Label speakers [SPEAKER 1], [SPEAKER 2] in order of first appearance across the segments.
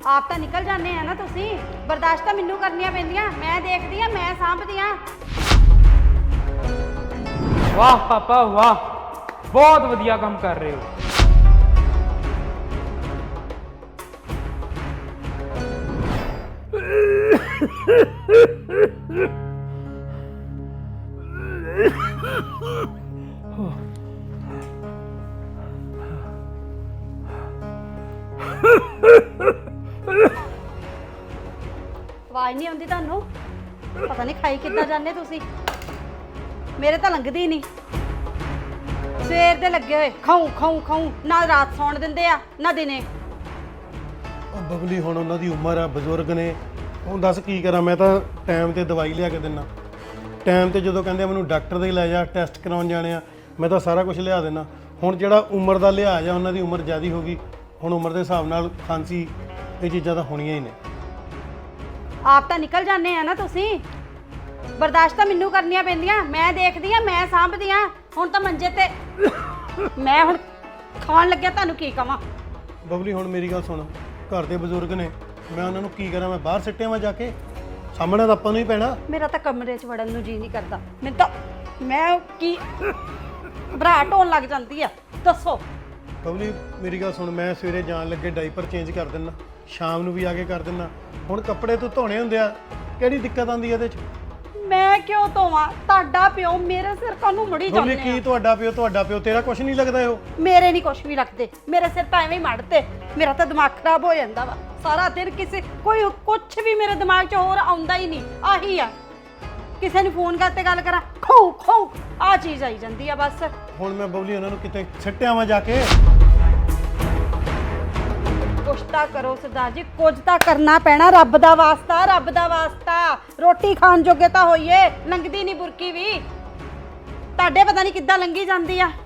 [SPEAKER 1] ਆਪ ਤਾਂ ਨਿਕਲ ਜਾਂਦੇ ਆ ਨਾ ਤੁਸੀਂ। ਬਰਦਾਸ਼ਤ ਤਾਂ ਮੈਨੂੰ ਕਰਨੀਆਂ ਪੈਂਦੀਆਂ। ਮੈਂ ਦੇਖਦੀ ਆ, ਮੈਂ ਸਾਂਭਦੀ ਆ।
[SPEAKER 2] वाह पापा वाह, बहुत वधिया काम कर रहे हो।
[SPEAKER 1] ਆਵਾਜ਼ ਨਹੀਂ ਆਉਂਦੀ ਤੁਹਾਨੂੰ? ਪਤਾ ਨਹੀਂ ਖਾਈ ਕਿੱਦਾਂ ਜਾਂਦੇ ਤੁਸੀਂ। ਮੇਰੇ ਤਾਂ ਲੰਘਦੀ ਨਹੀਂ। ਸਵੇਰ ਦੇ ਲੱਗੇ ਹੋਏ ਖਾਉ ਖਾਉ ਖਾਉ, ਨਾ ਰਾਤ ਸੌਣ ਦਿੰਦੇ ਆ ਨਾ ਦਿਨੇ।
[SPEAKER 3] ਉਹ ਬਬਲੀ ਹੁਣ ਉਹਨਾਂ ਦੀ ਉਮਰ ਆ, ਬਜ਼ੁਰਗ ਨੇ। ਹੁਣ ਦੱਸ ਕੀ ਕਰਾਂ ਮੈਂ? ਤਾਂ ਟਾਈਮ ਤੇ ਦਵਾਈ ਲਿਆ ਕੇ ਦਿੰਦਾ, ਟਾਈਮ ਤੇ ਜਦੋਂ ਕਹਿੰਦੇ ਮੈਨੂੰ ਡਾਕਟਰ ਦੇ ਲੈ ਜਾ, ਟੈਸਟ ਕਰਾਉਣ ਜਾਣੇ ਆ, ਮੈਂ ਤਾਂ ਸਾਰਾ ਕੁਝ ਲਿਆ ਦਿੰਦਾ। ਹੁਣ ਜਿਹੜਾ ਉਮਰ ਦਾ ਲਿਹਾਜ਼ ਆ, ਉਹਨਾਂ ਦੀ ਉਮਰ ਜ਼ਿਆਦੀ ਹੋ ਗਈ। ਹੁਣ ਉਮਰ ਦੇ ਹਿਸਾਬ ਨਾਲ ਖਾਂਸੀ ਇਹ ਚੀਜ਼ਾਂ ਤਾਂ ਹੋਣੀਆਂ ਹੀ ਨੇ।
[SPEAKER 1] ਆਪ ਤਾਂ ਨਿਕਲ ਜਾਂਦੇ ਆ ਨਾ ਤੁਸੀਂ। ਬਰਦਾਸ਼ਤ ਤਾਂ ਮੈਨੂੰ ਕਰਨੀਆਂ ਪੈਂਦੀਆਂ। ਮੈਂ ਦੇਖਦੀ ਆ, ਮੈਂ ਸਾਂਭਦੀ ਆ। ਹੁਣ ਤਾਂ ਮੰਜੇ ਤੇ ਮੈਂ ਹੁਣ ਖਾਣ ਲੱਗਿਆ, ਤੁਹਾਨੂੰ ਕੀ ਕਵਾਂ?
[SPEAKER 3] ਬਬਲੀ ਹੁਣ ਮੇਰੀ ਗੱਲ ਸੁਣ, ਘਰ ਦੇ ਬਜ਼ੁਰਗ ਨੇ, ਮੈਂ ਉਹਨਾਂ ਨੂੰ ਕੀ ਕਰਾਂ? ਮੈਂ ਬਾਹਰ ਸਿੱਟਿਆ ਵਾਂ ਜਾ ਕੇ? ਸਾਹਮਣੇ ਤਾਂ ਆਪਾਂ ਨੂੰ ਹੀ ਪੈਣਾ।
[SPEAKER 1] ਮੇਰਾ ਤਾਂ ਕਮਰੇ 'ਚ ਵੜਨ ਨੂੰ ਜੀ ਨਹੀਂ ਕਰਦਾ। ਮੈਨੂੰ ਤਾਂ ਮੈਂ ਕੀ ਘਬਰਾਹਟ ਹੋਣ ਲੱਗ ਜਾਂਦੀ ਆ। ਦੱਸੋ
[SPEAKER 3] ਬਬਲੀ ਮੇਰੀ ਗੱਲ ਸੁਣ, ਮੈਂ ਸਵੇਰੇ ਜਾਣ ਲੱਗੇ ਡਾਈਪਰ ਚੇਂਜ ਕਰ ਦਿੰਦਾ, ਸ਼ਾਮ ਨੂੰ ਵੀ ਆ ਕੇ ਕਰ ਦਿੰਦਾ। ਹੁਣ ਕੱਪੜੇ ਤੂੰ ਧੋਣੇ ਹੁੰਦੇ ਆ, ਕਿਹੜੀ ਦਿੱਕਤ ਆਉਂਦੀ ਇਹਦੇ 'ਚ?
[SPEAKER 1] ਮੈਂ ਕਿਉਂ ਧੋਵਾਂ? ਤੁਹਾਡਾ ਪਿਓ ਮੇਰੇ ਸਿਰ ਕਾਹਨੂੰ ਮੁੜੀ
[SPEAKER 3] ਬਬਲੀ
[SPEAKER 1] ਜਾਂਦੇ
[SPEAKER 3] ਕੀ
[SPEAKER 1] ਆ?
[SPEAKER 3] ਤੁਹਾਡਾ ਪਿਓ ਤੇਰਾ ਕੁਝ ਨਹੀਂ ਲੱਗਦਾ ਇਹੋ?
[SPEAKER 1] ਮੇਰੇ ਨਹੀਂ ਕੁਛ ਵੀ ਲੱਗਦੇ। ਮੇਰੇ ਸਿਰ ਤਾਂ ਐਵੇਂ ਹੀ ਮੜਦੇ। ਮੇਰਾ ਤਾਂ ਦਿਮਾਗ ਖਰਾਬ ਹੋ ਜਾਂਦਾ ਵਾ ਸਾਰਾ ਦਿਨ। ਕਿਸੇ ਕੋਈ ਕੁਛ ਵੀ ਮੇਰੇ ਦਿਮਾਗ 'ਚ ਹੋਰ ਆਉਂਦਾ ਹੀ ਨਹੀਂ। ਆਹੀ ਆ, ਕਿਸੇ ਨੂੰ ਫੋਨ ਕਰਤੇ ਗੱਲ ਕਰਾਂ, ਖੋ ਖੋ ਆ ਚੀਜ਼ ਆਈ ਜਾਂਦੀ ਆ ਬਸ।
[SPEAKER 3] ਹੁਣ ਮੈਂ ਬਬਲੀ ਉਹਨਾਂ ਨੂੰ ਕਿਤੇ ਸਿੱਟਿਆ ਵਾਂ ਜਾ ਕੇ?
[SPEAKER 1] ਕੁਛ ਤਾਂ ਕਰੋ ਸਰਦਾਰ ਜੀ, ਕੁਝ ਤਾਂ ਕਰਨਾ ਪੈਣਾ। ਰੱਬ ਦਾ ਵਾਸਤਾ, ਰੱਬ ਦਾ ਵਾਸਤਾ। ਰੋਟੀ ਖਾਣ ਜੋਗੇ ਤਾਂ ਹੋਈਏ। ਲੰਘਦੀ ਨਹੀਂ ਬੁਰਕੀ ਵੀ। ਤੁਹਾਡੇ ਪਤਾ ਨਹੀਂ ਕਿੱਦਾਂ ਲੰਘੀ ਜਾਂਦੀ ਆ।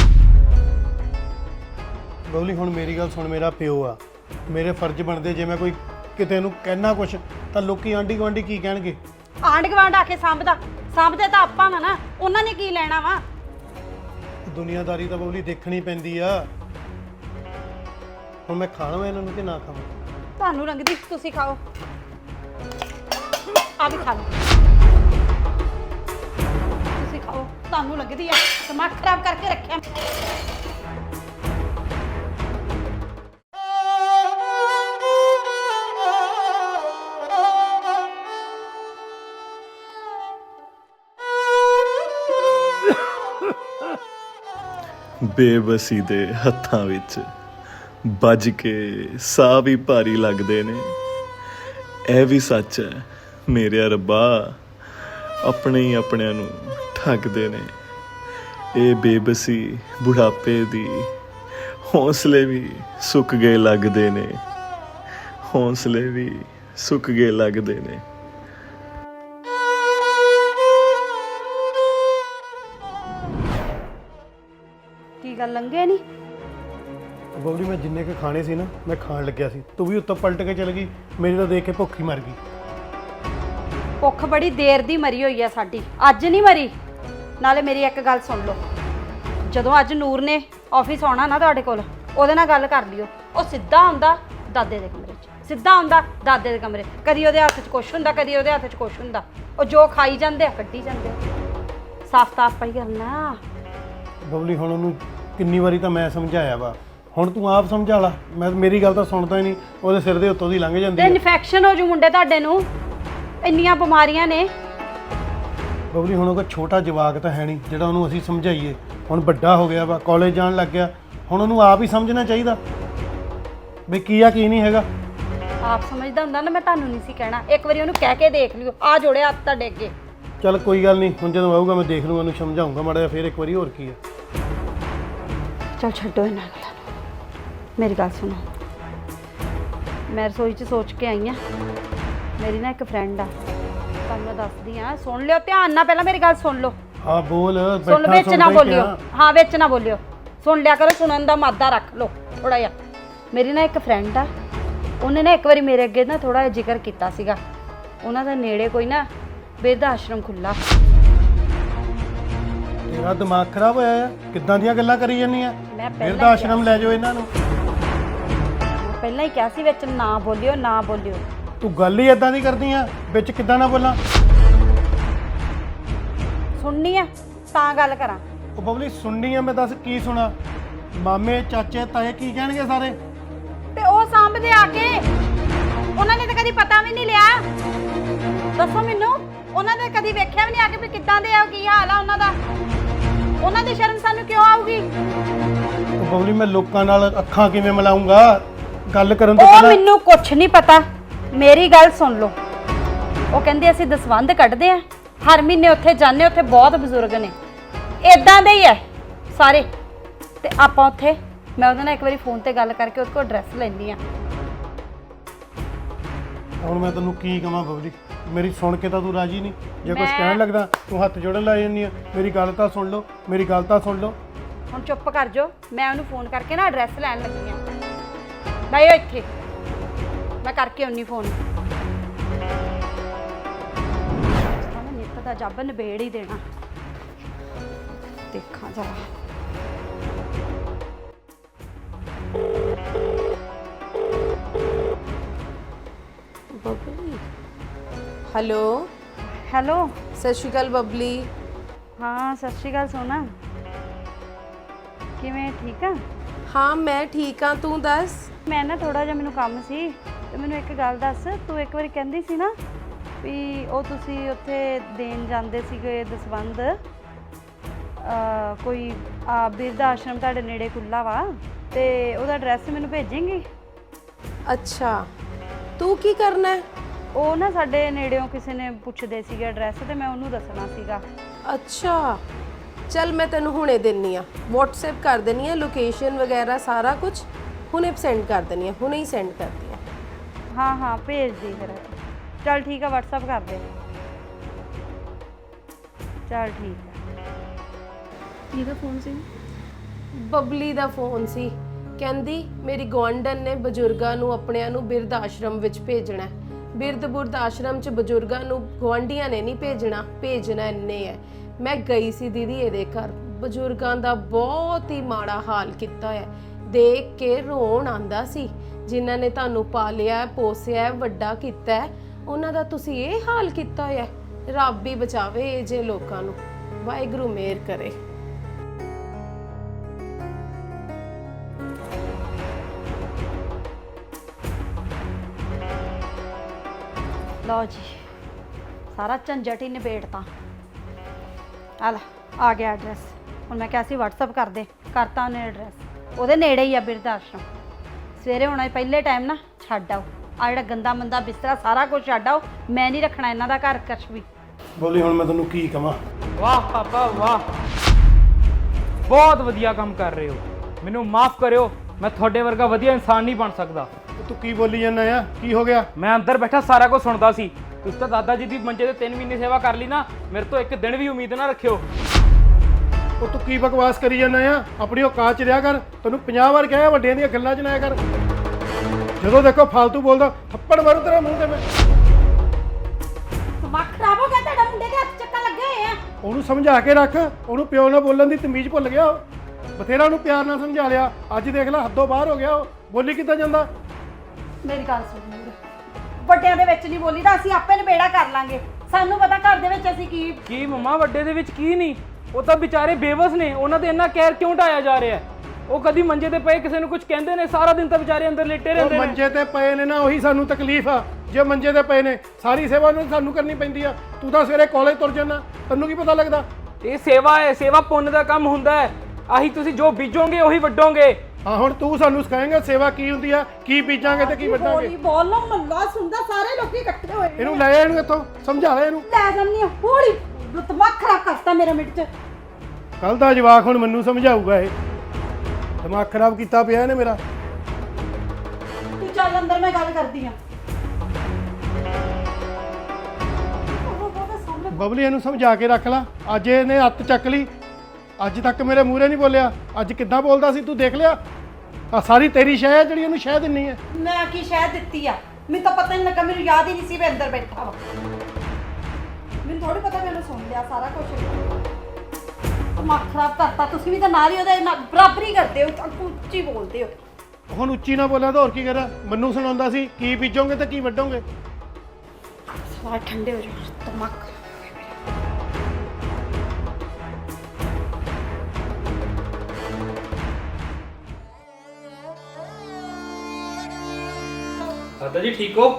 [SPEAKER 3] ਬਬਲੀ ਹੁਣ ਮੇਰੀ ਗੱਲ ਸੁਣ, ਮੇਰਾ ਪਿਓ ਆ, ਮੇਰੇ ਫਰਜ਼ ਬਣਦੇ। ਜੇ ਮੈਂ ਕੋਈ ਕਿਤੇ ਨੂੰ ਕਹਿਣਾ ਕੁਛ ਤਾਂ ਲੋਕੀ ਆਂਢੀ ਗੁਆਂਢੀ ਕੀ ਕਹਿਣਗੇ?
[SPEAKER 1] ਆਂਢ ਗੁਆਂਢ ਆ ਕੇ ਸਾਂਭਦੇ ਤਾਂ ਆਪਾਂ ਵਾ ਨਾ। ਉਹਨਾਂ ਨੇ ਕੀ ਲੈਣਾ ਵਾ?
[SPEAKER 3] ਦੁਨੀਆਦਾਰੀ ਤਾਂ ਬਬਲੀ ਦੇਖਣੀ ਪੈਂਦੀ ਆ। ਹੁਣ ਮੈਂ ਖਾਣਾ ਇਹਨਾਂ ਨੂੰ ਕਿ ਨਾ ਖਾਵਾਂ?
[SPEAKER 1] ਤੁਹਾਨੂੰ ਲੰਘਦੀ, ਤੁਸੀਂ ਖਾਓ। ਆ ਵੀ ਖਾ ਲਓ। ਤੁਸੀਂ ਖਾਓ, ਤੁਹਾਨੂੰ ਲੱਗਦੀ ਆ। ਦਿਮਾਗ ਖਰਾਬ ਕਰਕੇ ਰੱਖਿਆ।
[SPEAKER 4] ਬੇਬਸੀ ਦੇ ਹੱਥਾਂ ਵਿੱਚ ਵੱਜ ਕੇ ਸਾਹ ਵੀ ਭਾਰੀ ਲੱਗਦੇ ਨੇ। ਇਹ ਵੀ ਸੱਚ ਹੈ ਮੇਰੇ ਰੱਬਾ, ਆਪਣੇ ਹੀ ਆਪਣਿਆਂ ਨੂੰ ਠੱਗਦੇ ਨੇ। ਇਹ ਬੇਬਸੀ ਬੁਢਾਪੇ ਦੀ, ਹੌਸਲੇ ਵੀ ਸੁੱਕ ਗਏ ਲੱਗਦੇ ਨੇ, ਹੌਸਲੇ ਵੀ ਸੁੱਕ ਗਏ ਲੱਗਦੇ ਨੇ।
[SPEAKER 1] ਕੀ ਗੱਲ ਲੰਘੇ ਨਹੀਂ?
[SPEAKER 3] ਬਬਲੀ ਮੈਂ ਜਿੰਨੇ ਕੁ ਖਾਣੇ ਸੀ ਨਾ, ਮੈਂ ਖਾਣ ਲੱਗਿਆ ਸੀ, ਤੂੰ ਵੀ ਉੱਤੋਂ ਪਲਟ ਕੇ ਚਲ ਗਈ। ਮੇਰੀ ਤਾਂ ਦੇਖ ਕੇ ਭੁੱਖ ਹੀ ਮਰ ਗਈ।
[SPEAKER 1] ਭੁੱਖ ਬੜੀ ਦੇਰ ਦੀ ਮਰੀ ਹੋਈ ਆ ਸਾਡੀ, ਅੱਜ ਨਹੀਂ ਮਰੀ। ਨਾਲੇ ਮੇਰੀ ਇੱਕ ਗੱਲ ਸੁਣ ਲਓ, ਜਦੋਂ ਅੱਜ ਨੂਰ ਨੇ ਆਫਿਸ ਆਉਣਾ ਨਾ ਤੁਹਾਡੇ ਕੋਲ, ਉਹਦੇ ਨਾਲ ਗੱਲ ਕਰ ਲਿਓ। ਉਹ ਸਿੱਧਾ ਆਉਂਦਾ ਦਾਦੇ ਦੇ ਕਮਰੇ 'ਚ, ਸਿੱਧਾ ਆਉਂਦਾ ਦਾਦੇ ਦੇ ਕਮਰੇ। ਕਦੀ ਉਹਦੇ ਹੱਥ 'ਚ ਕੁਛ ਹੁੰਦਾ, ਕਦੀ ਉਹਦੇ ਹੱਥ 'ਚ ਕੁਛ ਹੁੰਦਾ। ਉਹ ਜੋ ਖਾਈ ਜਾਂਦੇ ਆ ਕੱਢੀ ਜਾਂਦੇ ਆ। ਸਾਫ਼ ਤਾਂ ਆਪਾਂ ਹੀ ਕਰਨਾ।
[SPEAKER 3] ਬਬਲੀ ਹੁਣ ਉਹਨੂੰ ਕਿੰਨੀ ਵਾਰੀ ਤਾਂ ਮੈਂ ਸਮਝਾਇਆ ਵਾ, ਹੁਣ ਤੂੰ ਆਪ ਸਮਝਾ ਲਾ। ਮੇਰੀ ਗੱਲ ਤਾਂ ਸੁਣਦਾ ਹੀ ਨਹੀਂ, ਉਹਦੇ ਸਿਰ ਦੇ ਉੱਤੋਂ ਦੀ ਲੰਘ ਜਾਂਦੀ
[SPEAKER 1] ਤੇ
[SPEAKER 3] ਹੈ।
[SPEAKER 1] ਇਨਫੈਕਸ਼ਨ ਹੋ ਜੂ ਮੁੰਡੇ ਤੁਹਾਡੇ ਨੂੰ, ਇੰਨੀਆਂ ਬਿਮਾਰੀਆਂ ਨੇ।
[SPEAKER 3] ਬਬਲੀ ਹੁਣ ਉਹ ਕੋਈ ਛੋਟਾ ਜਵਾਕ ਤਾਂ ਹੈ ਨਹੀਂ ਜਿਹੜਾ ਉਹਨੂੰ ਅਸੀਂ ਸਮਝਾਈਏ। ਹੁਣ ਵੱਡਾ ਹੋ ਗਿਆ ਵਾ, ਕਾਲਜ ਜਾਣ ਲੱਗ ਗਿਆ। ਹੁਣ ਉਹਨੂੰ ਆਪ ਹੀ ਸਮਝਣਾ ਚਾਹੀਦਾ ਵੀ ਕੀ ਆ ਕੀ ਨਹੀਂ ਹੈਗਾ।
[SPEAKER 1] ਆਪ ਸਮਝਦਾ ਹੁੰਦਾ ਨਾ, ਮੈਂ ਤੁਹਾਨੂੰ ਨਹੀਂ ਸੀ ਕਹਿਣਾ। ਇੱਕ ਵਾਰੀ ਉਹਨੂੰ ਕਹਿ ਕੇ ਦੇਖ ਲਿਓ। ਆ ਜੋੜੇ ਹੱਥ ਤੁਹਾਡੇ ਅੱਗੇ।
[SPEAKER 3] ਚੱਲ ਕੋਈ ਗੱਲ ਨਹੀਂ, ਹੁਣ ਜਦੋਂ ਆਊਗਾ ਮੈਂ ਦੇਖ ਲੂੰਗਾ, ਉਹਨੂੰ ਸਮਝਾਉਂਗਾ ਮਾੜਾ ਜਿਹਾ ਫਿਰ ਇੱਕ ਵਾਰੀ। ਹੋਰ ਕੀ ਹੈ?
[SPEAKER 1] ਚਲ ਛੱਡੋ ਇਹਨਾਂ ਗੱਲਾਂ ਨੂੰ, ਮੇਰੀ ਗੱਲ ਸੁਣੋ। ਮੈਂ ਰਸੋਈ 'ਚ ਸੋਚ ਕੇ ਆਈ ਹਾਂ। ਮੇਰੀ ਨਾ ਇੱਕ ਫਰੈਂਡ ਆ, ਤੁਹਾਨੂੰ ਮੈਂ ਦੱਸਦੀ ਹਾਂ, ਸੁਣ ਲਿਓ ਧਿਆਨ ਨਾਲ। ਪਹਿਲਾਂ ਮੇਰੀ ਗੱਲ ਸੁਣ ਲਓ।
[SPEAKER 3] ਹਾਂ ਬੋਲ।
[SPEAKER 1] ਸੁਣ ਲਓ, ਵਿੱਚ ਨਾ ਬੋਲਿਓ। ਹਾਂ ਵਿੱਚ ਨਾ ਬੋਲਿਓ, ਸੁਣ ਲਿਆ ਕਰੋ। ਸੁਣਨ ਦਾ ਮਾਦਾ ਰੱਖ ਲਓ ਥੋੜਾ ਜਿਹਾ। ਮੇਰੀ ਨਾ ਇੱਕ ਫਰੈਂਡ ਆ, ਉਹਨੇ ਨਾ ਇੱਕ ਵਾਰੀ ਮੇਰੇ ਅੱਗੇ ਨਾ ਥੋੜਾ ਜਿਹਾ ਜ਼ਿਕਰ ਕੀਤਾ ਸੀਗਾ। ਉਹਨਾਂ ਦੇ ਨੇੜੇ ਕੋਈ ਨਾ ਬਿਰਧ ਆਸ਼ਰਮ ਖੁੱਲਾ।
[SPEAKER 3] ਤੇਰਾ ਦਿਮਾਗ ਖਰਾਬ ਹੋਇਆ ਆ? ਕਿੱਦਾਂ ਦੀਆਂ ਗੱਲਾਂ ਕਰੀ ਜਾਂਦੀਆਂ?
[SPEAKER 1] ਮੈਂ
[SPEAKER 3] ਬਿਰਧ ਆਸ਼ਰਮ ਲੈ ਜਾਓ ਇਹਨਾਂ ਨੂੰ।
[SPEAKER 1] ਪਹਿਲਾਂ ਹੀ ਕਿਹਾ ਸੀ ਵਿੱਚ ਨਾ ਬੋਲਿਓ ਨਾ ਬੋਲਿਓ।
[SPEAKER 3] ਤੂੰ ਗੱਲ ਹੀ ਇਦਾਂ ਦੀ ਕਰਦੀ ਆ, ਵਿੱਚ ਕਿੱਦਾਂ ਨਾ ਬੋਲਾਂ।
[SPEAKER 1] ਸੁਣਨੀ ਆ ਤਾਂ ਗੱਲ ਕਰਾਂ।
[SPEAKER 3] ਉਹ ਬਬਲੀ ਸੁਣਨੀ ਆ, ਮੈਂ ਦੱਸ ਕੀ ਸੁਣਾ? ਮਾਮੇ ਚਾਚੇ ਤਾਏ ਕੀ ਕਹਿਣਗੇ ਸਾਰੇ?
[SPEAKER 1] ਤੇ ਉਹ ਸਾਂਭਦੇ ਆ ਕੇ, ਉਹਨਾਂ ਨੇ ਤਾਂ ਕਦੀ ਪਤਾ ਵੀ ਨਹੀਂ ਲਿਆ। ਦੱਸੋ ਮੈਨੂੰ, ਉਹਨਾਂ ਨੇ ਕਦੀ ਵੇਖਿਆ ਵੀ ਨਹੀਂ ਆ ਕੇ ਵੀ ਕਿੱਦਾਂ ਦੇ ਆ, ਕੀ ਹਾਲ ਆ ਉਹਨਾਂ ਦਾ। ਉਹਨਾਂ ਦੀ ਸ਼ਰਮ ਸਾਨੂੰ ਕਿਉਂ ਆਊਗੀ?
[SPEAKER 3] ਉਹ ਬਬਲੀ ਮੈਂ ਲੋਕਾਂ ਨਾਲ ਅੱਖਾਂ ਕਿਵੇਂ ਮਿਲਾਉਂਗਾ? ਗੱਲ ਕਰਨ ਤੋਂ
[SPEAKER 1] ਉਹ
[SPEAKER 3] ਪਹਿਲਾਂ
[SPEAKER 1] ਮੈਨੂੰ ਕੁਛ ਨਹੀਂ ਪਤਾ, ਮੇਰੀ ਗੱਲ ਸੁਣ ਲਓ। ਉਹ ਕਹਿੰਦੇ ਅਸੀਂ ਦਸਵੰਧ ਕੱਢਦੇ ਆ, ਹਰ ਮਹੀਨੇ ਉੱਥੇ ਜਾਂਦੇ, ਉੱਥੇ ਬਹੁਤ ਬਜ਼ੁਰਗ ਨੇ ਇਦਾਂ ਦੇ ਹੀ ਐ ਸਾਰੇ। ਤੇ ਆਪਾਂ ਉੱਥੇ, ਮੈਂ ਉਹਦੇ ਨਾਲ ਇੱਕ ਵਾਰੀ ਫੋਨ ਤੇ ਗੱਲ ਕਰਕੇ ਉਹਦੇ ਕੋਲ ਐਡਰੈਸ ਲੈਂਦੀ ਆ।
[SPEAKER 3] ਹੁਣ ਮੈਂ ਤੈਨੂੰ ਕੀ ਕਹਾਂ ਬਬਲੀ, ਮੇਰੀ ਸੁਣ ਕੇ ਤਾਂ ਤੂੰ ਰਾਜੀ ਨਹੀਂ। ਜੇ ਕੁਝ
[SPEAKER 1] ਮੈਂ-
[SPEAKER 3] ਕਹਿਣ ਲੱਗਦਾ ਤੂੰ ਹੱਥ ਜੋੜਨ ਲੱਗ ਜਾਂਦੀ ਆ। ਮੇਰੀ ਗੱਲ ਤਾਂ ਸੁਣ ਲਓ, ਮੇਰੀ ਗੱਲ ਤਾਂ ਸੁਣ ਲਓ।
[SPEAKER 1] ਹੁਣ ਚੁੱਪ ਕਰ ਜਾਓ, ਮੈਂ ਉਹਨੂੰ ਫੋਨ ਕਰਕੇ ਨਾ ਐਡਰੈਸ ਲੈਣ ਲੱਗੀ ਆ। ਬੈਠੋ ਇੱਥੇ, ਮੈਂ ਕਰਕੇ ਆਉਣੀ ਫੋਨ। ਮੈਂ ਨਿੱਤ ਦਾ ਜੱਬ ਨਿਬੇੜ ਹੀ ਦੇਣਾ। ਦੇਖਾਂ ਜਰਾ।
[SPEAKER 5] ਬਬਲੀ ਹੈਲੋ।
[SPEAKER 1] ਹੈਲੋ।
[SPEAKER 5] ਸਤਿ ਸ਼੍ਰੀ ਅਕਾਲ ਬਬਲੀ।
[SPEAKER 1] ਹਾਂ ਸਤਿ ਸ਼੍ਰੀ ਅਕਾਲ ਸੋਨਾ, ਕਿਵੇਂ ਠੀਕ ਆ?
[SPEAKER 5] ਹਾਂ ਮੈਂ ਠੀਕ ਹਾਂ, ਤੂੰ ਦੱਸ।
[SPEAKER 1] ਮੈਂ ਨਾ ਥੋੜਾ ਜਿਹਾ ਮੈਨੂੰ ਕੰਮ ਸੀ, ਤੇ ਮੈਨੂੰ ਇੱਕ ਗੱਲ ਦੱਸ। ਤੂੰ ਇੱਕ ਵਾਰੀ ਕਹਿੰਦੀ ਸੀ ਨਾ ਵੀ ਉਹ ਤੁਸੀਂ ਉੱਥੇ ਦੇਣ ਜਾਂਦੇ ਸੀਗੇ ਦਸਵੰਧ, ਕੋਈ ਬਿਰਧ ਆਸ਼ਰਮ ਤੁਹਾਡੇ ਨੇੜੇ ਖੁੱਲ੍ਹਾ ਵਾ, ਤੇ ਉਹਦਾ ਐਡਰੈਸ ਮੈਨੂੰ ਭੇਜੇਂਗੀ?
[SPEAKER 5] ਅੱਛਾ, ਤੂੰ ਕੀ ਕਰਨਾ ਹੈ?
[SPEAKER 1] ਉਹ ਨਾ ਸਾਡੇ ਨੇੜਿਓਂ ਕਿਸੇ ਨੇ ਪੁੱਛਦੇ ਸੀਗੇ ਐਡਰੈਸ, ਤੇ ਮੈਂ ਉਹਨੂੰ ਦੱਸਣਾ ਸੀਗਾ।
[SPEAKER 5] ਅੱਛਾ ਚੱਲ ਮੈਂ ਤੈਨੂੰ ਹੁਣੇ ਦਿੰਨੀ ਆ, WhatsApp ਕਰ ਦਿੰਨੀ ਆ, ਲੋਕੇਸ਼ਨ ਵਗੈਰਾ ਸਾਰਾ ਕੁਝ ਹੁਣੇ ਸੈਂਡ ਕਰ ਦਿੰਨੀ ਆ, ਹੁਣੇ ਹੀ ਸੈਂਡ ਕਰਦੀ ਆ।
[SPEAKER 1] ਹਾਂ ਹਾਂ ਭੇਜ ਦੇ ਫਿਰ। ਚੱਲ ਠੀਕ ਆ, WhatsApp ਕਰ ਦੇ। ਚੱਲ ਠੀਕ ਆ।
[SPEAKER 5] ਕਿਹਦਾ ਫੋਨ ਸੀ? ਬਬਲੀ ਦਾ ਫੋਨ ਸੀ। ਕਹਿੰਦੀ ਮੇਰੀ ਗੁਆਂਢਣ ਨੇ ਬਜ਼ੁਰਗਾਂ ਨੂੰ ਆਪਣਿਆਂ ਨੂੰ ਬਿਰਧ ਆਸ਼ਰਮ ਵਿੱਚ ਭੇਜਣਾ ਹੈ। ਬਿਰਧ ਆਸ਼ਰਮ 'ਚ ਬਜ਼ੁਰਗਾਂ ਨੂੰ ਗੁਆਂਢੀਆਂ ਨੇ ਨਹੀਂ ਭੇਜਣਾ ਇੰਨੇ ਹੈ। ਮੈਂ ਗਈ ਸੀ ਦੀਦੀ ਇਹਦੇ ਘਰ, ਬਜ਼ੁਰਗਾਂ ਦਾ ਬਹੁਤ ਹੀ ਮਾੜਾ ਹਾਲ ਕੀਤਾ ਹੈ। ਦੇਖ ਕੇ ਰੋਣ ਆਂਦਾ ਸੀ। ਜਿਨ੍ਹਾਂ ਨੇ ਤੁਹਾਨੂੰ ਪਾਲਿਆ ਪੋਸਿਆ ਵੱਡਾ ਕੀਤਾ, ਉਹਨਾਂ ਦਾ ਤੁਸੀਂ ਇਹ ਹਾਲ ਕੀਤਾ ਹੋਇਆ। ਰੱਬ ਹੀ ਬਚਾਵੇ ਇਹ ਜੇ ਲੋਕਾਂ ਨੂੰ, ਵਾਹਿਗੁਰੂ ਮਿਹਰ ਕਰੇ।
[SPEAKER 1] ਲਓ ਜੀ, ਸਾਰਾ ਝੰਜਟ ਹੀ ਨਿਬੇੜਤਾ। ਆ ਲੈ, ਆ ਗਿਆ ਐਡਰੈਸ। ਹੁਣ ਮੈਂ ਕਿਹਾ ਸੀ WhatsApp ਕਰ ਦੇ, ਕਰਤਾ ਉਹਨੇ ਐਡਰੈਸ। ਉਹਦੇ ਨੇੜੇ ਹੀ ਆ ਬਿਰਧ ਆਸ਼ਰਮ। ਸਵੇਰੇ ਹੋਣਾ ਪਹਿਲੇ ਟਾਈਮ ਨਾ ਛੱਡ ਆਓ ਆ ਜਿਹੜਾ ਗੰਦਾ ਮੰਦਾ ਬਿਸਤਰਾ, ਸਾਰਾ ਕੁਝ ਛੱਡ ਆਓ। ਮੈਂ ਨਹੀਂ ਰੱਖਣਾ ਇਹਨਾਂ ਦਾ ਘਰ ਕੁਛ ਵੀ।
[SPEAKER 3] ਬੋਲੀ ਹੁਣ ਮੈਂ ਤੈਨੂੰ ਕੀ ਕਹਾਂ?
[SPEAKER 2] ਵਾਹ ਪਾਪਾ ਵਾਹ, ਬਹੁਤ ਵਧੀਆ ਕੰਮ ਕਰ ਰਹੇ ਹੋ। ਮੈਨੂੰ ਮਾਫ ਕਰਿਓ, ਮੈਂ ਤੁਹਾਡੇ ਵਰਗਾ ਵਧੀਆ ਇਨਸਾਨ ਨਹੀਂ ਬਣ ਸਕਦਾ।
[SPEAKER 3] ਤੂੰ ਕੀ ਬੋਲੀ ਜਾਂਦਾ ਆ? ਕੀ ਹੋ ਗਿਆ?
[SPEAKER 2] ਮੈਂ ਅੰਦਰ ਬੈਠਾ ਸਾਰਾ ਕੁਝ ਸੁਣਦਾ ਸੀ। ਤੁਸੀਂ ਤਾਂ ਦਾਦਾ ਜੀ ਦੀ ਮੰਜੇ ਤੇ 3 ਮਹੀਨੇ ਸੇਵਾ ਕਰ ਲਈ ਨਾ, ਮੇਰੇ ਤੋਂ ਇੱਕ ਦਿਨ ਵੀ ਉਮੀਦ ਨਾ ਰੱਖਿਓ।
[SPEAKER 3] ਉਹ ਤੂੰ ਕੀ ਬਕਵਾਸ ਕਰੀ ਜਾਂਦਾ ਆ? ਆਪਣੀ ਔਕਾਤ 'ਚ ਰਿਹਾ ਕਰ। ਤੈਨੂੰ 50 ਵਾਰ ਕਿਹਾ ਵੱਡਿਆਂ ਦੀਆਂ ਗੱਲਾਂ 'ਚ ਨਾ ਆਇਆ ਕਰ। ਜਦੋਂ ਦੇਖੋ ਫालतू ਬੋਲਦਾ, ਥੱਪੜ ਮਾਰੂ ਤੇਰੇ ਮੂੰਹ ਤੇ ਮੈਂ।
[SPEAKER 1] ਦਿਮਾਗ ਖਰਾਬ ਹੋ ਗਿਆ ਤੁਹਾਡਾ, ਮੁੰਡੇ ਦੇ ਹੱਥ ਚੱਕਾ ਲੱਗੇ ਹੋਏ ਆ।
[SPEAKER 3] ਉਹਨੂੰ ਸਮਝਾ ਕੇ ਰੱਖ। ਉਹਨੂੰ ਪਿਓ ਨਾਲ ਬੋਲਣ ਦੀ ਤਮੀਜ਼ ਭੁੱਲ ਗਿਆ। ਉਹ ਬਥੇਰਾ ਉਹਨੂੰ ਪਿਆਰ ਨਾਲ ਸਮਝਾ ਲਿਆ, ਅੱਜ ਦੇਖ ਲੈ ਹੱਦੋਂ ਬਾਹਰ ਹੋ ਗਿਆ। ਉਹ ਬੋਲੀ ਕਿੱਦਾਂ ਜਾਂਦਾ?
[SPEAKER 1] ਮੇਰੀ ਗੱਲ ਸੁਣ, ਵੱਡਿਆਂ ਦੇ ਵਿੱਚ ਨਹੀਂ ਬੋਲੀਦਾ, ਅਸੀਂ ਆਪੇ ਨਿਬੇੜਾ ਕਰ ਲਾਂਗੇ। ਸਾਨੂੰ ਪਤਾ ਘਰ ਦੇ ਵਿੱਚ ਅਸੀਂ
[SPEAKER 2] ਕੀ ਮੰਮਾ ਵੱਡੇ ਦੇ ਵਿੱਚ ਕੀ ਨਹੀਂ? ਉਹ ਤਾਂ ਵਿਚਾਰੇ ਬੇਵਸ ਨੇ, ਉਹਨਾਂ ਤੇ ਇੰਨਾ ਕਹਿਰ ਕਿਉਂ ਢਾਇਆ ਜਾ ਰਿਹਾ? ਉਹ ਕਦੀ ਮੰਜੇ ਤੇ ਪਏ ਕਿਸੇ ਨੂੰ ਕੁਝ ਕਹਿੰਦੇ ਨੇ? ਸਾਰਾ ਦਿਨ ਤਾਂ ਵਿਚਾਰੇ ਅੰਦਰ ਲੇਟੇ ਰਹਿੰਦੇ
[SPEAKER 3] ਉਹ
[SPEAKER 2] ਨੇ।
[SPEAKER 3] ਮੰਜੇ ਤੇ ਪਏ ਨੇ ਨਾ, ਉਹੀ ਸਾਨੂੰ ਤਕਲੀਫ ਆ। ਜੇ ਮੰਜੇ ਤੇ ਪਏ ਨੇ, ਸਾਰੀ ਸੇਵਾ ਨੂੰ ਸਾਨੂੰ ਕਰਨੀ ਪੈਂਦੀ ਆ। ਤੂੰ ਤਾਂ ਸਵੇਰੇ ਕਾਲਜ ਤੁਰ ਜਾਂਦਾ, ਤੈਨੂੰ ਕੀ ਪਤਾ ਲੱਗਦਾ?
[SPEAKER 2] ਇਹ ਸੇਵਾ ਹੈ, ਸੇਵਾ ਪੁੰਨ ਦਾ ਕੰਮ ਹੁੰਦਾ ਹੈ। ਆਹੀ ਤੁਸੀਂ ਜੋ ਬੀਜੋਗੇ ਉਹੀ ਵੱਢੋਗੇ।
[SPEAKER 3] ਹਾਂ ਹੁਣ ਤੂੰ ਸਾਨੂੰ ਸਿਖਾਏਂਗਾ ਸੇਵਾ ਕੀ ਹੁੰਦੀ ਆ, ਕੀ ਬੀਜਾਂਗੇ ਤੇ ਕੀ ਵੱਢਾਂਗੇ।
[SPEAKER 1] ਬੋਲੋ ਮੱਲਾ ਸੁਣਦਾ, ਸਾਰੇ ਲੋਕੀ ਇਕੱਠੇ ਹੋਏ ਨੇ।
[SPEAKER 3] ਇਹਨੂੰ ਲੈ ਜਾ, ਇਹਨੂੰ ਇੱਥੋਂ ਸਮਝਾ ਲੈ ਇਹਨੂੰ।
[SPEAKER 1] ਲੈ ਜਾਂਦੀ ਹਾਂ ਹੌਲੀ, ਦਿਮਾਗ ਖਰਾਬ ਕਰਤਾ ਮੇਰਾ ਮਿੰਟ ਚ।
[SPEAKER 3] ਕੱਲ ਦਾ ਜਵਾਕ ਹੁਣ ਮੈਨੂੰ ਸਮਝਾਊਗਾ। ਇਹ ਦਿਮਾਗ ਖਰਾਬ ਕੀਤਾ ਪਿਆ ਇਹਨੇ ਮੇਰਾ।
[SPEAKER 1] ਤੂੰ ਚੱਲ ਅੰਦਰ, ਮੈਂ ਗੱਲ ਕਰਦੀ ਆ।
[SPEAKER 3] ਬਬਲੀ ਇਹਨੂੰ ਸਮਝਾ ਕੇ ਰੱਖ ਲੈ। ਅੱਜ ਇਹਨੇ ਹੱਥ ਚੱਕ ਲਈ, ਅੱਜ ਤੱਕ ਮੇਰੇ ਮੂਹਰੇ ਨਹੀਂ ਬੋਲਿਆ। ਅੱਜ ਕਿੱਦਾਂ ਬੋਲਦਾ ਸੀ ਤੂੰ ਦੇਖ ਲਿਆ? ਆ ਸਾਰੀ ਤੇਰੀ ਸ਼ੈ ਹੈ ਜਿਹੜੀ ਇਹਨੂੰ ਸ਼ਹਿ ਦਿੰਨੀ ਹੈ।
[SPEAKER 1] ਮੈਂ ਕੀ ਸ਼ਹਿ ਦਿੱਤੀ ਆ? ਮੈਨੂੰ ਤਾਂ ਪਤਾ ਨਹੀਂ ਲੱਗਾ, ਮੈਨੂੰ ਯਾਦ ਹੀ ਨਹੀਂ ਸੀ ਮੈਂ ਅੰਦਰ ਬੈਠਾ ਵਾ। ਮੈਨੂੰ ਥੋੜੀ ਪਤਾ, ਮੈਨੂੰ ਸੁਣ ਲਿਆ ਸਾਰਾ ਕੁਝ। ਦਿਮਾਗ ਖਰਾਬ ਕਰਤਾ ਤੁਸੀਂ ਵੀ ਤਾਂ ਨਾਲ ਹੀ ਉਹਦੇ ਬਰਾਬਰੀ ਕਰਦੇ ਹੋ, ਉੱਚੀ ਬੋਲਦੇ ਹੋ।
[SPEAKER 3] ਹੁਣ ਉੱਚੀ ਨਾ ਬੋਲਿਆ ਤਾਂ ਹੋਰ ਕੀ ਕਰਾਂ? ਮੈਨੂੰ ਸੁਣਾਉਂਦਾ ਸੀ ਕੀ ਬੀਜੋਗੇ ਤੇ ਕੀ ਵੱਢੋਗੇ।
[SPEAKER 1] ਸਾਰਾ ਠੰਡੇ ਹੋ ਜਾਓ ਦਿਮਾਗ।
[SPEAKER 2] ਦਾਦਾ ਜੀ ਠੀਕ ਹੋ?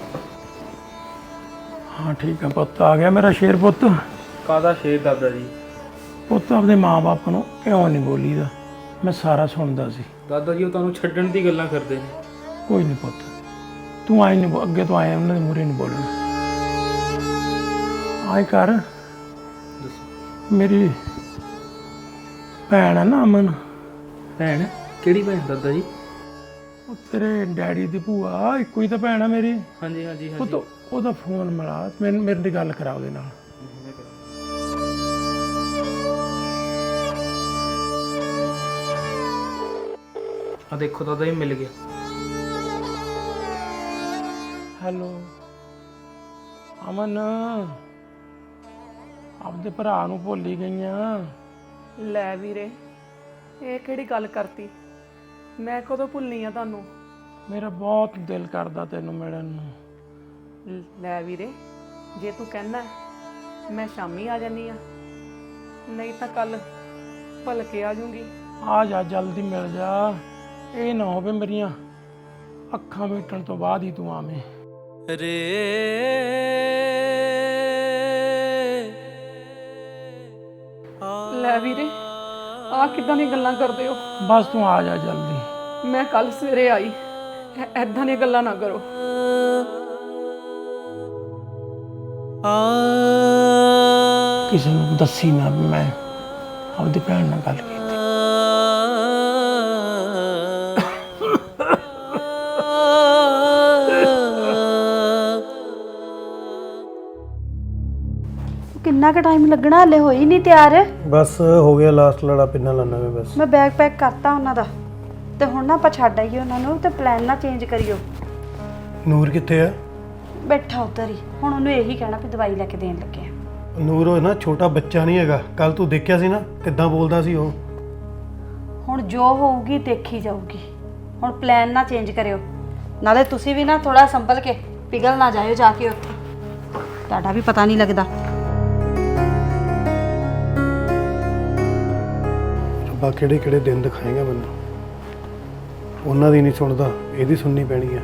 [SPEAKER 6] ਹਾਂ ਠੀਕ ਹੈ ਪੁੱਤ, ਆ ਗਿਆ ਮੇਰਾ ਸ਼ੇਰ ਪੁੱਤ।
[SPEAKER 2] ਕਾਦਾ ਸ਼ੇਰ ਦਾਦਾ ਜੀ?
[SPEAKER 6] ਪੁੱਤ ਆਪਦੇ ਮਾਂ-ਬਾਪ ਨੂੰ ਕਿਉਂ ਨਹੀਂ ਬੋਲੀਦਾ? ਮੈਂ ਸਾਰਾ ਸੁਣਦਾ ਸੀ।
[SPEAKER 2] ਦਾਦਾ ਜੀ ਉਹ ਤੁਹਾਨੂੰ ਛੱਡਣ ਦੀ ਗੱਲਾਂ ਕਰਦੇ ਨੇ।
[SPEAKER 6] ਕੋਈ ਨਹੀਂ ਪੁੱਤ, ਤੂੰ ਆਈ ਨਹੀਂ, ਅੱਗੇ ਤੋਂ ਆਇਆ ਉਹਨਾਂ ਦੇ ਮੂਹਰੇ ਨਹੀਂ ਬੋਲਣਾ। ਆਏ ਕਰ, ਮੇਰੀ ਭੈਣ ਹੈ ਨਾ ਅਮਨ।
[SPEAKER 2] ਭੈਣ? ਕਿਹੜੀ ਭੈਣ ਦਾਦਾ ਜੀ?
[SPEAKER 6] ਉਹ ਤੇਰੇ ਡੈਡੀ ਦੀ ਭੂਆ, ਇੱਕੋ ਹੀ ਤਾਂ ਭੈਣ ਆ ਮੇਰੀ।
[SPEAKER 2] ਹਾਂਜੀ ਹਾਂਜੀ
[SPEAKER 6] ਪੁੱਤ ਉਹਦਾ ਫੋਨ ਮਿਲਾ, ਮੇਰੇ ਨਾਲ ਗੱਲ ਕਰਾ ਉਹਦੇ ਨਾਲ।
[SPEAKER 2] ਆ ਦੇਖੋ ਦਾਦਾ ਜੀ ਮਿਲ ਗਿਆ।
[SPEAKER 6] ਹੈਲੋ ਅਮਨ, ਆਪਦੇ ਭਰਾ ਨੂੰ ਭੁੱਲ ਹੀ ਗਈਆਂ।
[SPEAKER 7] ਲੈ ਵੀਰੇ, ਇਹ ਕਿਹੜੀ ਗੱਲ ਕਰਤੀ? ਮੈਂ ਕਦੋਂ ਭੁੱਲਣੀ ਆ ਤੁਹਾਨੂੰ?
[SPEAKER 6] ਮੇਰਾ ਬਹੁਤ ਦਿਲ ਕਰਦਾ ਤੈਨੂੰ ਮਿਲਣ ਨੂੰ।
[SPEAKER 7] ਲੈ ਵੀਰੇ, ਜੇ ਤੂੰ ਕਹਿਣਾ ਮੈਂ ਸ਼ਾਮੀ ਆ ਜਾਨੀ ਆ, ਨਹੀਂ ਤਾਂ ਕੱਲ ਭਲਕੇ ਆ ਜੂੰਗੀ।
[SPEAKER 6] ਆ ਜਾ, ਜਲਦੀ ਮਿਲ ਜਾ। ਇਹ ਨਾ ਹੋਵੇ ਮੇਰੀਆਂ ਅੱਖਾਂ ਮੀਟਣ ਤੋਂ ਬਾਅਦ ਹੀ ਤੂੰ ਆਵੇਂ।
[SPEAKER 7] ਲੈ ਵੀਰੇ, ਆ ਕਿੱਦਾਂ ਦੀਆਂ ਗੱਲਾਂ ਕਰਦੇ ਹੋ?
[SPEAKER 6] ਬਸ ਤੂੰ ਆ ਜਾ ਜਲਦੀ।
[SPEAKER 7] ਮੈਂ ਕੱਲ ਸਵੇਰੇ ਆਈ, ਐਦਾਂ ਦੀਆਂ ਗੱਲਾਂ ਨਾ ਕਰੋ।
[SPEAKER 6] ਕਿਸੇ ਨੂੰ ਦੱਸੀ ਨਾ ਵੀ ਮੈਂ ਆਪਦੀ ਭੈਣ ਨਾਲ ਗੱਲ ਕੀਤੀ।
[SPEAKER 1] ਕਿੰਨਾ ਕੁ ਟਾਈਮ ਲੱਗਣਾ? ਹਲੇ ਹੋਈ ਨਹੀਂ ਤਿਆਰ।
[SPEAKER 3] ਬਸ ਹੋ ਗਿਆ, ਲਾਸਟ ਲੜਾ ਪਿੰਨਾ ਲਾਣਾ ਮੈਂ ਬਸ।
[SPEAKER 1] ਮੈਂ ਬੈਗ ਪੈਕ ਕਰਤਾ ਉਹਨਾਂ ਦਾ, ਤੇ ਹੁਣ ਨਾ ਆਪਾਂ ਛੱਡ ਆਈਏ ਉਹਨਾਂ ਨੂੰ, ਤੇ ਪਲਾਨ ਨਾ ਚੇਂਜ ਕਰਿਓ।
[SPEAKER 3] ਨੂਰ ਕਿੱਥੇ ਆ?
[SPEAKER 1] ਬੈਠਾ ਉੱਧਰ ਹੀ। ਹੁਣ ਉਹਨੂੰ ਇਹੀ ਕਹਿਣਾ ਵੀ ਦਵਾਈ ਲੈ ਕੇ ਦੇਣ ਲੱਗੇ ਆ।
[SPEAKER 3] ਨੂਰ ਉਹ ਨਾ ਛੋਟਾ ਬੱਚਾ ਨਹੀਂ ਹੈਗਾ। ਕੱਲ ਤੂੰ ਦੇਖਿਆ ਸੀ ਨਾ ਕਿੱਦਾਂ ਬੋਲਦਾ ਸੀ ਉਹ।
[SPEAKER 1] ਹੁਣ ਜੋ ਹੋਊਗੀ ਦੇਖੀ ਜਾਊਗੀ। ਹੁਣ ਪਲਾਨ ਨਾ ਚੇਂਜ ਕਰਿਓ। ਨਾਲੇ ਤੁਸੀਂ ਵੀ ਨਾ ਥੋੜਾ ਸੰਭਲ ਕੇ, ਪਿਘਲ ਨਾ ਜਾਇਓ ਜਾ ਕੇ ਉੱਥੇ, ਤੁਹਾਡਾ ਵੀ ਪਤਾ ਨਹੀਂ ਲੱਗਦਾ।
[SPEAKER 3] ਰੱਬਾ ਕਿਹੜੇ ਕਿਹੜੇ ਦਿਨ ਦਿਖਾਏਗਾ ਮੈਨੂੰ। ਉਹਨਾਂ ਦੀ ਨਹੀਂ ਸੁਣਦਾ, ਇਹਦੀ ਸੁਣਨੀ ਪੈਣੀ ਆ।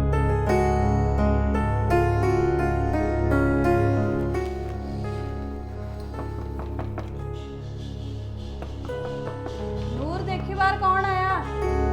[SPEAKER 1] ਨੂਰ ਦੇਖੀ ਬਾਹਰ ਕੌਣ ਆਇਆ?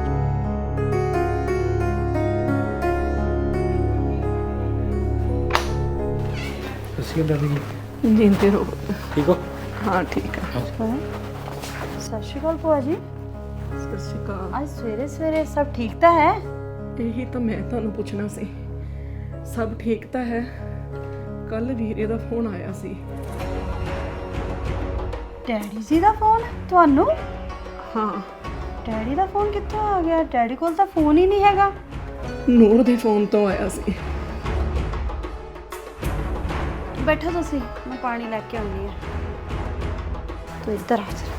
[SPEAKER 3] ਅਸੀਂ ਦਾਦੀ
[SPEAKER 7] ਜਿੰਦੇ ਰਹੋ।
[SPEAKER 2] ਠੀਕ ਹੋ?
[SPEAKER 7] ਹਾਂ ਠੀਕ ਆ।
[SPEAKER 1] ਸਤਿ ਸ਼੍ਰੀ ਅਕਾਲ ਭੂਆ ਜੀ।
[SPEAKER 7] ਸਤਿ ਸ਼੍ਰੀ ਅਕਾਲ।
[SPEAKER 1] ਅੱਜ ਸਵੇਰੇ ਸਵੇਰੇ ਸਭ ਠੀਕ ਤਾਂ ਹੈ?
[SPEAKER 7] ਇਹੀ ਤਾਂ ਮੈਂ ਤੁਹਾਨੂੰ ਪੁੱਛਣਾ ਸੀ। ਸਭ ਠੀਕ ਤਾਂ ਹੈ? ਕੱਲ ਵੀਰੇ ਦਾ ਫੋਨ ਆਇਆ ਸੀ।
[SPEAKER 1] ਡੈਡੀ ਜੀ ਦਾ ਫੋਨ ਤੁਹਾਨੂੰ?
[SPEAKER 7] ਹਾਂ,
[SPEAKER 1] ਡੈਡੀ ਦਾ ਫੋਨ ਕਿੱਥੋਂ ਆ ਗਿਆ? ਡੈਡੀ ਕੋਲ ਤਾਂ ਫੋਨ ਹੀ ਨਹੀਂ ਹੈਗਾ।
[SPEAKER 7] ਨੂਰ ਦੇ ਫੋਨ ਤੋਂ ਆਇਆ ਸੀ।
[SPEAKER 1] ਬੈਠੋ ਤੁਸੀਂ, ਮੈਂ ਪਾਣੀ ਲੈ ਕੇ ਆਉਂਦੀ ਹਾਂ। ਤੂੰ ਇੱਧਰ ਆ ਜਾ।